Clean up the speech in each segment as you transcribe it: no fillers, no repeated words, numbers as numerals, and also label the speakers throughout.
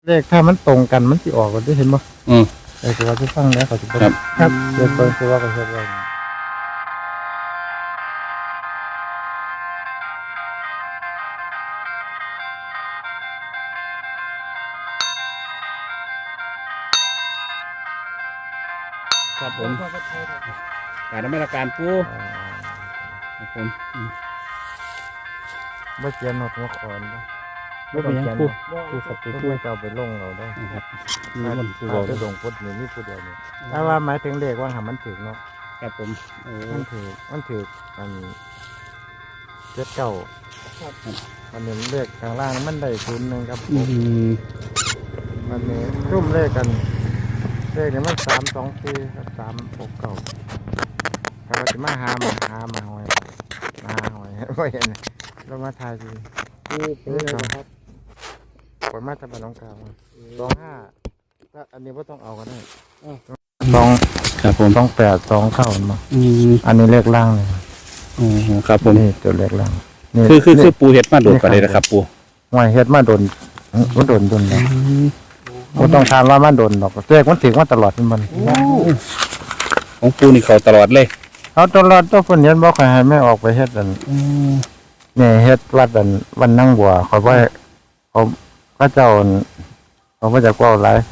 Speaker 1: เลขถ้ามันตรงกันมันสิออกกันได้เห็นบ่แต่คือว่าที่ฟังแล้วเขาสิบ่ครับเดี๋ยวเพิ่นสิว่าก็เฮ็ดไว้
Speaker 2: ครับผมการดำเนินการปูครับผม
Speaker 1: บ่เขียนหนดหัวขอนบ่
Speaker 2: ไม่เป็นยังปู
Speaker 1: ผู้สับผู้ช่วยจะเอาไปลงเราได้
Speaker 2: ครับ
Speaker 1: มันคือเราจะลงพุทธนี่มีผู้เดียวนี่ถ้าว่าหมายถึงเลขว่าหามันถึงเนาะ
Speaker 2: ครับผมโอ้
Speaker 1: มันถืออันเจ็ดเก้ามันเห็นเลขข้างล่างมันได้01ครับมันนี่รุ่มเลขกันเลขเนี่ยมัน324ครับ369ถ้าเราจะมาหาหอยว่าเห็นเรามาทายดีปูเป็นไงครับผลมาทำเป็นน้องกลาง25ถ้าอันนี้ว่าต้องเอากันได้
Speaker 2: ครับผม
Speaker 1: 2829มาอันนี้เลขล่างเลย
Speaker 2: โอ้ครับผม
Speaker 1: นี่ตัวเลขล่าง
Speaker 2: คือปูเห็ดมาโดนกันเลยนะครับปู
Speaker 1: หอยเฮ็ดมาโดนมันโดนแล้วมันต้องทานว่ามันโดนดอกเลขมันถึงว่าตลอดมัน
Speaker 2: ของปูนี่เขาตลอดเลย
Speaker 1: เอาตลอดตัวคนเห็นบอกให้ไม่ออกไปเฮ็ดอันเนี่ยเฮ็ดวัดอันวันนั่งบัวเขาว่าเขาก็เจ้าเขาว่าจะกว่าหลาย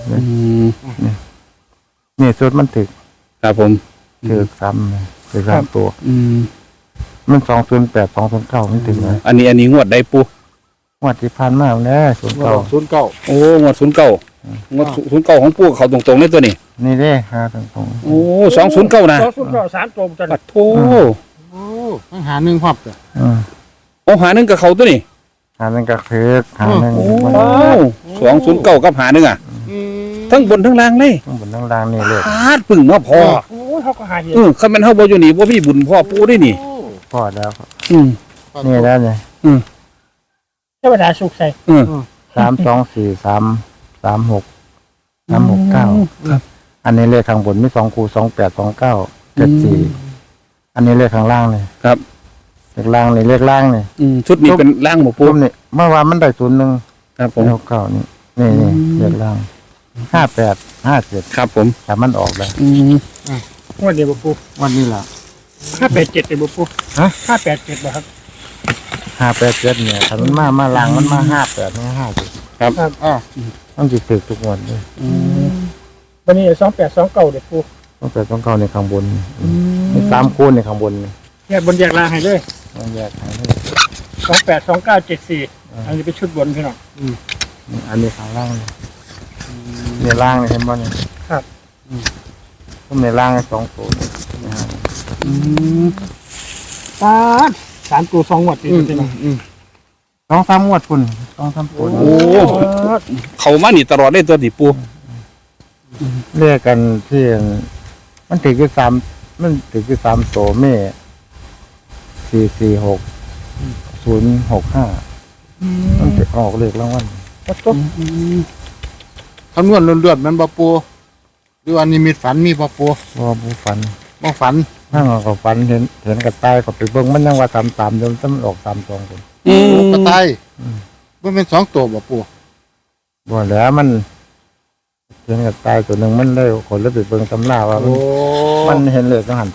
Speaker 1: นี่สุดมันถึก
Speaker 2: ครับผม
Speaker 1: ถึก3ตัวมัน208 209มันถึงนะ
Speaker 2: อันนี้งวดได้ปู
Speaker 1: งวดที่ผ่านมาแล้ว
Speaker 2: 09โอ้งวด09งวด09ของปูเขาตรงๆเลยตัวนี้
Speaker 1: นี่เด้หาตรง
Speaker 2: โอ้209นะ
Speaker 3: 209 3ตัวจัง
Speaker 2: ปัดโธ
Speaker 3: ต้องหา1ครอบจ้ะ
Speaker 2: โอ้หา1กับเขาตัวนี้
Speaker 1: หานึงก็คือหานึง
Speaker 2: โอ้209กับหา1อ่ะทั้งบนทั้งล่างเลย
Speaker 1: ทั้งบนทั้งล่างนี่เลย
Speaker 2: พาดปึ่งมาพอ
Speaker 3: โอ้เฮาก็หาเห็น
Speaker 2: คันแม่นเฮาบ่อยู่นี่บ่มีบุญพ่อปูได้นี่
Speaker 1: พอแล้วนี่แล้วนี่
Speaker 3: เทวดาสุขใส่
Speaker 1: 324 336 ครับอันนี้เลขข้างบนมี2คู่28 29 74อันนี้เลขข้างล่างเลย
Speaker 2: ครับ
Speaker 1: เลขล่างนี่เลขล่างนี่
Speaker 2: ชุดนี้เป็นล่างบ่ปู
Speaker 1: นี่เมื่อวานมันได้01
Speaker 2: ครับผม
Speaker 1: 69นี่เลขล่าง58 57
Speaker 2: ครับผม
Speaker 1: แต่มันออกแล้ว
Speaker 3: วันนี้บ่ปู
Speaker 1: วันนี้ล่ะ
Speaker 3: 587ได้บ่ปู
Speaker 1: ฮะ
Speaker 3: 587บ่ครับ
Speaker 1: 587เนี่ยถ้ามันมาล่างมันมา58นี่50
Speaker 2: ครับ
Speaker 1: ต้องสิถึกทุกวันเลย
Speaker 3: วันนี้2829เด้ปู
Speaker 1: 2829ในข้างบนมี3คู่ในข้างบน
Speaker 3: แยกบนแยกล่างให้เลย
Speaker 1: แยกให้
Speaker 3: 282974อันนี้เป็นชุดบนพี่น้อง
Speaker 1: อันนี้ข้างล่างเนี่ยล่างเห็นบ่เนี่ย
Speaker 3: ครับ
Speaker 1: ผมในล่าง2ตัว
Speaker 3: ป๊าด3ตัว2งวดติดพี่น้อง
Speaker 1: 2-3งวดพุ่น2-3ตัว
Speaker 2: โอ้เขามานี่ตลอดเลยตัวดิปู
Speaker 1: เรียกกันที่มันถือคือ3มันถือคือ3ตัวแม่446 065มันจะออกเลขรางวัล
Speaker 3: คำนวณเลือดมันบ่ปูหรือว่านิมิตฝันมีบ่ปู
Speaker 1: บ่ฝัน
Speaker 3: นั่
Speaker 1: งก็ฝันเห็นกระต่ายก็ไปเบิ่งมันยังว่า33เดี๋ยวมันออก32คน
Speaker 3: กระต่ายมันเป็น2ตัวบ่ปู
Speaker 1: บ่แล้วมันเห็นกระต่ายตัวนึงมันได้คนแล้วไปเบิ่งตำราว่ามันเห็นเลขต้องหัน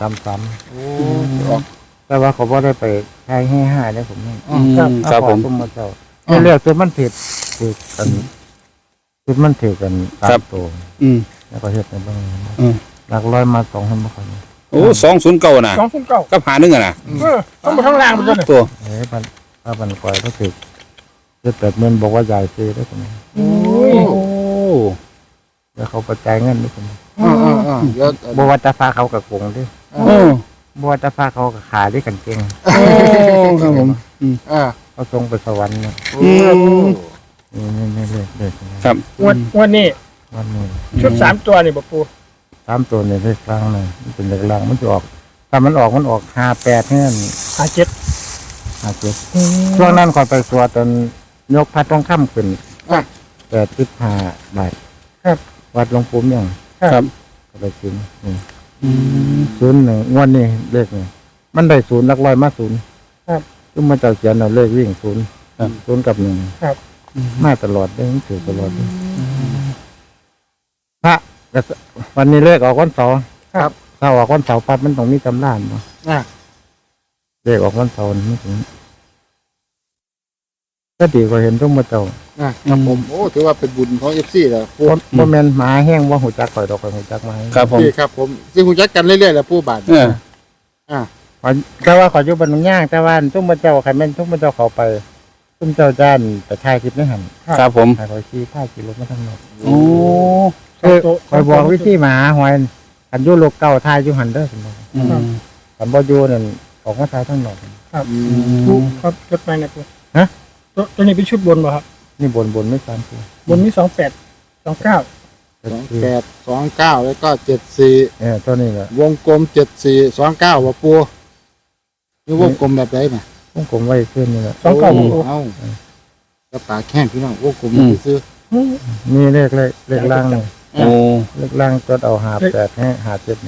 Speaker 1: 33แต่ว่าเขาบ่ได้ไปทายให้5ได้ผม
Speaker 2: ครับผม
Speaker 1: มาเจ้าเรียกตัวมันผิดกันคือมันถือกัน3ตัวแล้วก็เฮ็ดในเบิ่งหลักร้อยมา2คนบ่ค่อย
Speaker 2: โอ้209น่ะ
Speaker 3: 209
Speaker 2: กับหา1อ่ะน่ะ
Speaker 3: ต้องมาทั้งล่างมันตัว
Speaker 2: ตัว
Speaker 1: ถ้ามันปล่อยก็ถือ70,000บอกว่าใหญ่ซื้อได้ผม
Speaker 3: โอ้
Speaker 1: แล้วเขาประจายเงินด้วยผมบ่ว่าจะพาเขากับกงดิบ่ว่าจะพาเขากับขาด้วยกันเก่ง
Speaker 2: ครับผม
Speaker 1: เขาส่งไปสวรรค์เนี่ยนี่เลย
Speaker 2: ครับ
Speaker 3: วันนี้ชุด3ตัวนี่บ่ปู
Speaker 1: 3ตัวนี่เลขกลางเลยมันเป็นเลขกลางมันจะออกถ้ามันออก58เนี่ย57ช่วงนั้นก่อนไปสวดตอนยกพระทองคำขึ้น85 บาท
Speaker 3: ครับ
Speaker 1: วัดหลวงปู่ยัง
Speaker 2: ครับ
Speaker 1: ก็ไปกิน01งวดนี้เลขนี่มันได้0หลักร้อยมา0
Speaker 3: ครับ
Speaker 1: ซึ่งมันจะเขียนเอาเลขวิ่ง0กับ1
Speaker 3: ครับ
Speaker 1: มาตลอดเลยมันถือตลอดเลยพระแต่วันนี้เลขออกวันเสาร์ครับถ้าออกวันเสาร์ปั๊บมันต้องมีตำรานเนาะเลขออกวันเสาร์ไม่ถึงก็ดีกว่าเห็นทุ่มมาเจ้า
Speaker 4: ครับผมโอ้ถือว่าเป็นบุญของ FC แหละปู
Speaker 1: บ่แม่นหมาแห้งว่าหูจักข่อยดอกข่อยหูจักไม้
Speaker 2: ครับผม
Speaker 4: พี่ครับผมสิฮู้จักกันเรื่อยๆแหละปูบาท
Speaker 1: แต่ว่าข่อยอยู่บ้านหนองย่างแต่ว่าทุ่มมาเจ้าใครแม่นทุ่มมาเจ้าเขาไปทุ่มเจ้าจ้านไปถ่ายคลิปในหัน
Speaker 2: ครับผม
Speaker 1: ถ่ายข่อยขี่ถ่ายขี่รถมาทางนอก
Speaker 2: โอ้
Speaker 1: ข่อยบอกวิธีหมาหอยอันอยู่โลกเก่าถ่ายอยู่หันเด้อสมมุติ
Speaker 2: อืม
Speaker 1: อันบ่อยู่นั่นออกมาถ่ายทางนอก
Speaker 3: ปูครับจดไปนะปู
Speaker 1: ฮะ
Speaker 3: ตัวนี้เป็นชุดบนป่ะครับ
Speaker 1: นี่บนไม่ตามตัว
Speaker 3: บนมี28 29
Speaker 4: 2829แล้วก็74
Speaker 1: ตัวนี้แหละ
Speaker 4: วงกลม7429ว่าปูนี่วงกลมแบบไหนน่ะ
Speaker 1: ผมไว้ขึ้นนี่แหละ
Speaker 3: 29บ่ปู
Speaker 4: เอ้าก็ปากแข้งพี่น้องวงกลมซื้อ
Speaker 1: มีเลขล่างนี่
Speaker 2: โอ้
Speaker 1: เลขล่างจดเอา58ให้57นี่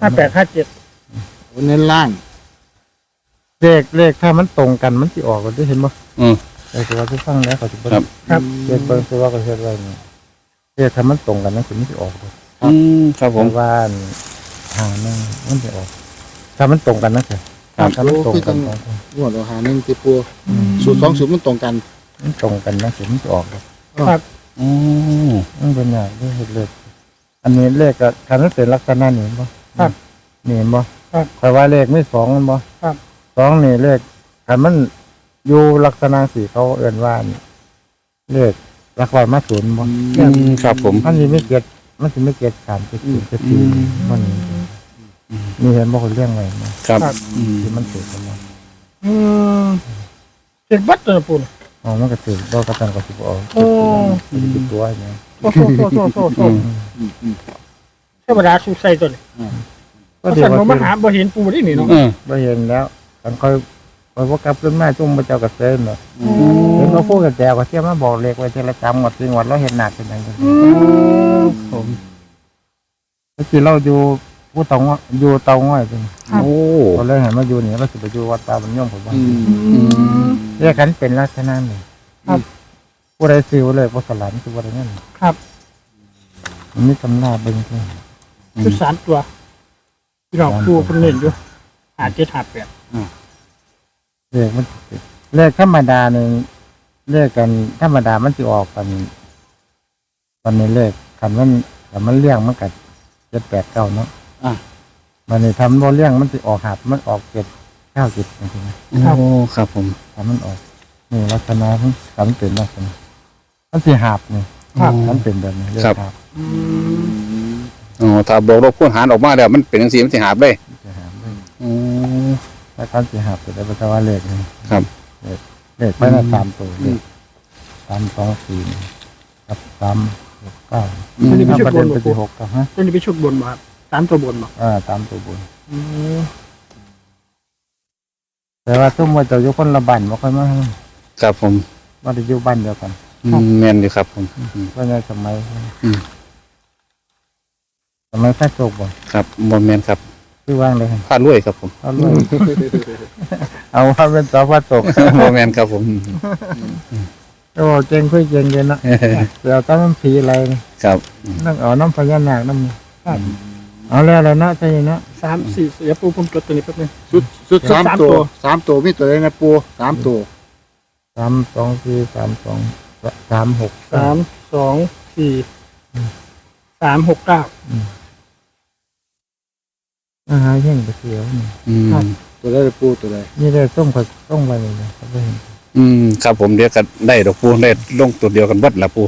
Speaker 3: 58
Speaker 4: เน้นล่าง
Speaker 1: เลขถ้ามันตรงกันมันสิออกก็ได้เห็นบ่
Speaker 2: อืม
Speaker 1: แต่ว่าที่ฟังแล้วเขาสิบ่
Speaker 2: ครับ
Speaker 3: ครับ
Speaker 1: เลขเบิ่งคือว่าก็เฮ็ดไว้นี่เลขถ้ามันตรงกันมันสิออก
Speaker 2: อืมครับผม
Speaker 1: ว่าหานึงมันสิออก ถ้ามันตรงกันนะสิ
Speaker 2: ครับ
Speaker 1: ถ้ามันตรงกัน
Speaker 4: งวดเราหา1ที่ปูสูตร2สูตรมันตรงกัน
Speaker 1: มันตรงกันนะสิมันสิออก
Speaker 3: ครับ
Speaker 2: โอ้
Speaker 1: มันเป็นอย่างที่เห็นเลขอันนี้เลขก็คันมันเป็นลักษณะนี้เห็นบ่
Speaker 3: ครับ
Speaker 1: นี่เห็นบ่
Speaker 3: ครับ
Speaker 1: แต่ว่าเลขไม่2มันบ่
Speaker 3: ครับ
Speaker 1: 2นี่เลขคันมันอยู่ลักษณะสีเขาเอิ้นว่านี่เลขหลักร้อยมาศูนย์บ่
Speaker 2: อืมครับผม
Speaker 1: มันสิไม่เก็ดมันสิไม่เก็ด3 7 4 7มันนี่เห็นบ่คนเรื่องไว้นะครับ
Speaker 2: อืม
Speaker 1: ที่มันถูกกันมา
Speaker 3: เจ็ดบัตรตัวปูน่ะ
Speaker 1: อ๋อมันก็ถูกบ่กระตันก็สิบ่ออก
Speaker 3: โอ้
Speaker 1: มันสิเป็นตัวอย่าง
Speaker 3: โอ้เทวดาสุใส่ตัวนี้
Speaker 1: ก็
Speaker 3: ก็
Speaker 1: เดี๋ย
Speaker 3: สั่
Speaker 1: ว
Speaker 3: งมาหาบ่เห็นปูได้นี่เนาะ
Speaker 2: เออ
Speaker 1: บ่เห็นแล้วคันค่อยบ่กลับขึ้นมาจุ่มพระเจ้าก็เซ็นเนาะ เห็นเขาพูดกับแจวก็เที่ยวมาบอกเลขไว้เทละจำหมดจริงหมดเราเห็นหนักเป็นยังไงผมเมื่อกี้เราอยู่ผู้เตาง้อยอยู่เตาง้อยจริง
Speaker 2: โอ้
Speaker 1: ตอนแรกเห็นมาอยู่นี่เราสิไปอยู่วัดตาบรรยมผมว่า
Speaker 2: อืม
Speaker 1: เรียกกันเป็นลักษณะนี่ผู้ใดซิวเลยผู้สลันคือว่าอย่างนั้น
Speaker 3: ครับ
Speaker 1: มันมีตำราเบิ่งที่
Speaker 3: ชุด3ตัวพี่น้องปูเพิ่นเน้นอยู่5758
Speaker 1: เลขมันเลขธรรมดาหนึ่งเลขกันธรรมดามันจะออกกันตอนนี้เลขคันมันเลี้ยงมันกัด7 8 9เนาะมันนี่ทำบ่เลี้ยงมันจะออกหับมันออก7 9 7จริงๆ
Speaker 2: โอ้ครับผม
Speaker 1: ทำมันออกนี่ลักษณะมันทำเป็นลักษณะมันสีหาบนี่
Speaker 3: ครับ
Speaker 1: มันเป็นแบบนี้เรียกหาบ
Speaker 2: อ๋อถ้าบอกเราคูณหารออกมาแล้วมันเป็นจังซี่มันสิหาบเลย
Speaker 1: สีหาบเลย
Speaker 2: โอ้
Speaker 1: ถ้าการสีหาบเป็นภาษาว่าเลขนี่
Speaker 2: ครับ
Speaker 1: เลขไปนะ3 ตัวเลข3 2 4กับ3 6 9
Speaker 3: ตัวนี้เป็นชุด
Speaker 1: ประ
Speaker 3: บ
Speaker 1: เด็
Speaker 3: น
Speaker 1: น
Speaker 3: บ่
Speaker 1: เป็น
Speaker 3: ปู
Speaker 1: ที่6กับฮะ
Speaker 3: ตัวนี้เป็นชุดบนบ่ครับ3ตัวบนบ่
Speaker 1: 3 ตัวบนแต่ว่าทุ่มว่าจะอยู่คนละบ้านบ่ค่อยมา
Speaker 2: ครับผม
Speaker 1: ว่าจะอยู่บ้านเดียวกัน
Speaker 2: แม่นอยู่ครับผม
Speaker 1: ก็ในสมัย
Speaker 2: อืม
Speaker 1: สมัยพระโชคบ่
Speaker 2: ครับบ่แม่นครับ
Speaker 1: คือว่างเลย
Speaker 2: พาดรวยครับผม
Speaker 1: เอาเลยเอาว่าเป็นสอพระโชค
Speaker 2: บ่แม่นครับผม
Speaker 1: โอ้เก่งคุยเก่งเย็นนะเดี๋ยวต้องน้ำผีอะไรนี่
Speaker 2: ครับ
Speaker 1: นั่งเอาน้ำพญานาคน้ำเอาแล้วอะไรนะใช่เนาะ
Speaker 3: 3 4เดี๋ยวปูผมจดตัวนี้แป๊บนึง
Speaker 4: ชุด
Speaker 3: สาม
Speaker 4: 3
Speaker 3: ตั
Speaker 4: ตัว ว3ตัวมีตัวไหนนะปู3ตัว
Speaker 1: 3 2 4 3 2 3 6
Speaker 3: 3 2 4 3 6 9
Speaker 1: อาหารแห้งไปเสียวนี่
Speaker 2: อืม
Speaker 4: ตัวไหนนะปูตัวไหน
Speaker 1: นี่ได้ต้มกับต้มไปเลยนะเขาไปเห็น
Speaker 2: อืมครับผมเดี๋ยวก็ได้ดอกปูได้ลงตัวเดียวกันเบิดละปู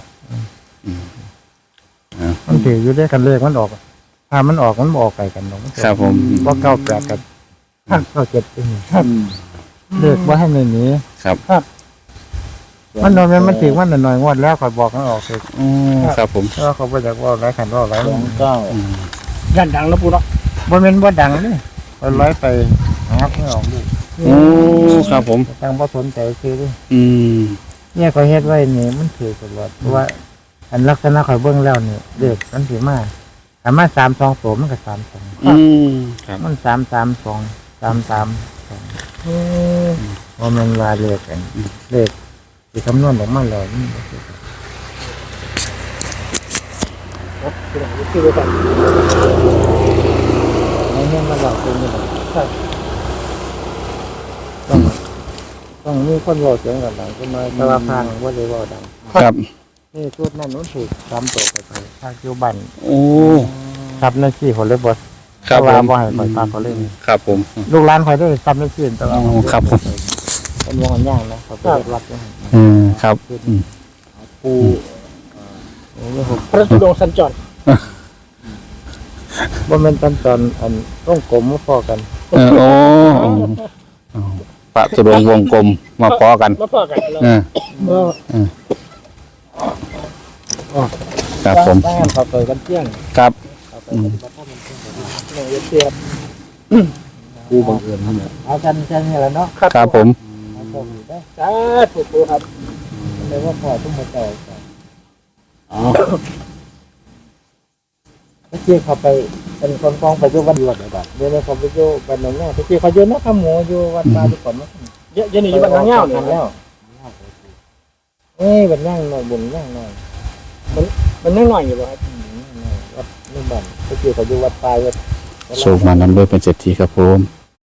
Speaker 1: มันถืออยู่ได้กันเลขมันออกถ้ามันออกมันออกไก่กันเนาะ
Speaker 2: ครับผม
Speaker 1: เพราะ98กับ97เป็น เลขว่าให้ในนี้
Speaker 2: ครับ
Speaker 1: มันนอนมันถือว่าหน่อยงวดแล้วคอยบอกมันออกเลย
Speaker 2: อ๋อครับผม
Speaker 1: เพราะว่าเขาไปจากว่าไรขันว่าไร
Speaker 4: 29
Speaker 3: ย่านดังแล้วปูเนาะ
Speaker 1: บ่เป็นบ่ดังเลยคอยร้อยไปงับไม่ออกเลย
Speaker 2: โอ้ครับผม
Speaker 1: ทางบ่สนใจคือด้วย
Speaker 2: อืม
Speaker 1: เนี่ยเขาเฮ็ดไว้นี่มันถือตลอดเพราะว่า อันลักษณะข่อยเบิ่งแล้วนี่เด็กมันสิมาถ้ามา3 2ตัวมันก็3 2
Speaker 2: อืมครับ
Speaker 1: มัน3 3 2 3 3 2ว่ามันว่าเลขกันเลขสิคำนวณออกมาแล้วนี่
Speaker 3: นะคือไปก่อน
Speaker 1: ไอ้เนี่ยมันหลอกเป็นยังไง
Speaker 3: ครับ
Speaker 1: ต้องมีคนบอกเสียงกันดังขึ้นมาแต่ว่าพางว่าเลยว่าดัง
Speaker 2: ครับ
Speaker 1: นี่ชุดนั่นนู้นถูกซ้ำตัวไปภาคคิวบัน
Speaker 2: โอ้
Speaker 1: ครับในที่คนเลยบด
Speaker 2: ครับ
Speaker 1: ว่า
Speaker 2: ผม
Speaker 1: บ่ให้คอยตามเขาเล่น
Speaker 2: ครับผม
Speaker 1: ลูกร้านคอยได้ซ้ำในที่แต่ว่า
Speaker 2: อ๋อครับผม
Speaker 1: เป็นวงอันย่างนะเขาไปเรียกรับด้วย
Speaker 2: ครับ
Speaker 1: ปูนี่ผม
Speaker 3: พระธุดงค์สัญจร
Speaker 1: ว่ามันตอนอันต้องกลมมาพอกัน
Speaker 2: โอ้ปะตุรงค์วงกลมมาพอกัน
Speaker 3: มาพอกันแล้ว
Speaker 2: เออ
Speaker 3: ก็
Speaker 2: ครับผม
Speaker 1: บ้านเขาไปกันเที่ยง
Speaker 2: ครับ
Speaker 1: เขาไปปฏิบัติธรรมกันเที่ยง
Speaker 3: หนึ่งเสียบ
Speaker 4: ปูบังเอิญนั่นแหละ
Speaker 1: เอากันแค่นี้แหละเนาะ
Speaker 2: ครับผม
Speaker 1: เอาโชคดีได้
Speaker 3: สาธุปูครับ
Speaker 1: เลยว่าพอทุ่มหัวใจก่อน
Speaker 4: อ๋อ
Speaker 1: เมื่อกี้เขาไปเป็นคนกองไปอยู่วัดยวดเลยแบบเดี๋ยวนี้เขาไปอยู่บ้านหนองแง่เมื่อกี้เขาอยู่นักขโมยอยู่วัดป่าทุกคนมั้ง
Speaker 3: เยอะนี่อยู่บ้านน้องเงี้ยวเนี่ย
Speaker 1: แล้วเอ้ยบันย่างหน่อยบุญย่างหน่อย
Speaker 3: มันนั่งหน่อยอยู่บ่ครับ
Speaker 1: วัดนี่บ้านเมื่อกี้เขาอยู่วัดป่าวัด
Speaker 2: โชคมานำด้วยเป็นเศรษฐีครับผม